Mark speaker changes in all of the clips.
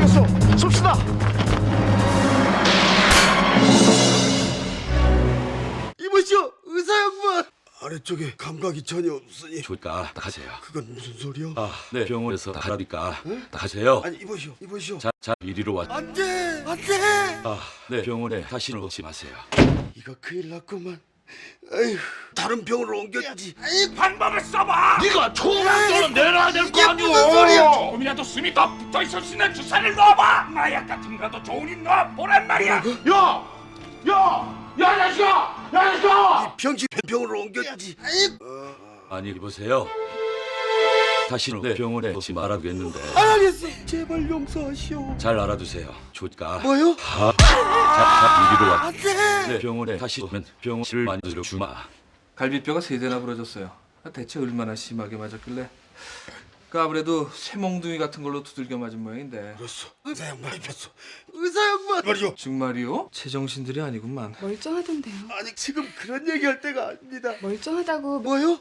Speaker 1: 알겠어. 쏩시다.
Speaker 2: 이보시오, 의사 양반. 아래쪽에 감각이 전혀 없으니.
Speaker 3: 좋을까? 가세요.
Speaker 2: 그건 무슨 소리야?
Speaker 3: 아, 네, 병원에서 다 하라니까. 가세요.
Speaker 2: 아니 이보시오.
Speaker 3: 자, 이리로 와.
Speaker 2: 안돼.
Speaker 3: 아, 네, 병원에 다시는 오지 마세요.
Speaker 2: 이거 큰일 났구만. 에휴, 다른 병으로 옮겨야지. 에이,
Speaker 1: 방법을 써봐. 네가 총을 내놔야 될 거
Speaker 2: 이게
Speaker 1: 아니오.
Speaker 2: 무슨 소리야?
Speaker 1: 조금이라도 숨이 더 붙어 있을 수 있는 주사를 넣어봐. 마약 같은 거라도 좋으니 넣어보란 말이야. 야, 자식아.
Speaker 2: 이 병실 병으로 옮겨야지. 에이,
Speaker 3: 아니, 보세요. 다시는 네, 병원에 오지 말아주겠는데.
Speaker 2: 안 하겠어. 제발 용서하시오.
Speaker 3: 잘 알아두세요. 좋을까?
Speaker 2: 뭐요?
Speaker 3: 자, 이리로 와.
Speaker 2: 안돼.
Speaker 3: 네, 병원에 다시 오면 병실을 만들어 주마.
Speaker 4: 갈비뼈가 3대나 부러졌어요. 대체 얼마나 심하게 맞았길래? 그 아무래도 쇠몽둥이 같은 걸로 두들겨 맞은 모양인데.
Speaker 2: 그렇소. 의사 양반 입혔어. 의사 양반. 말이요.
Speaker 4: 정말이요? 제정신들이 아니구만.
Speaker 5: 멀쩡하던데요.
Speaker 2: 아니 지금 그런 얘기할 때가 아닙니다.
Speaker 5: 멀쩡하다고.
Speaker 2: 뭐요?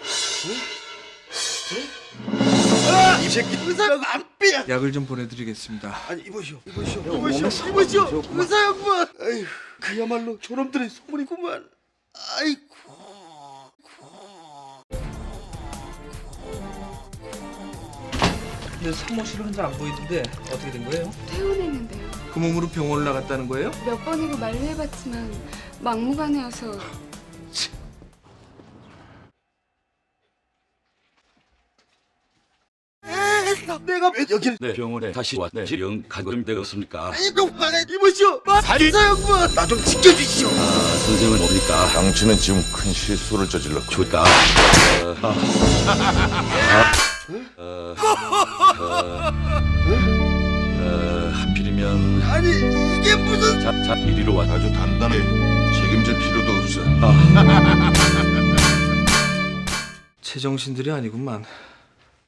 Speaker 2: 아, 이 새끼 의사가 안 삐야.
Speaker 4: 약을 좀 보내드리겠습니다.
Speaker 2: 아니 이보시오. 의사 양반. 에휴, 그야말로 저놈들의 소문이구만. 아이고.
Speaker 4: 근데 사무실 혼자 안 보이던데 어떻게 된 거예요?
Speaker 5: 퇴원했는데요.
Speaker 4: 그 몸으로 병원을 나갔다는 거예요?
Speaker 5: 몇 번이고 만류해봤지만 막무가내여서.
Speaker 2: 내가 왜 여기를?
Speaker 3: 네, 병원에 다시 왔네. 영 가금 되었습니까?
Speaker 2: 아이고, 이보시오. 의사 양반. 나 좀 지켜주시오.
Speaker 3: 아, 선생은 뭡니까?
Speaker 6: 당신은 지금 큰 실수를 저질렀고
Speaker 3: 좋을까? 하필이면
Speaker 2: 아니 이게 무슨?
Speaker 3: 자, 이리로 와.
Speaker 6: 아주 단단해. 책임질 필요도 없어.
Speaker 4: 제정신들이 아니구만.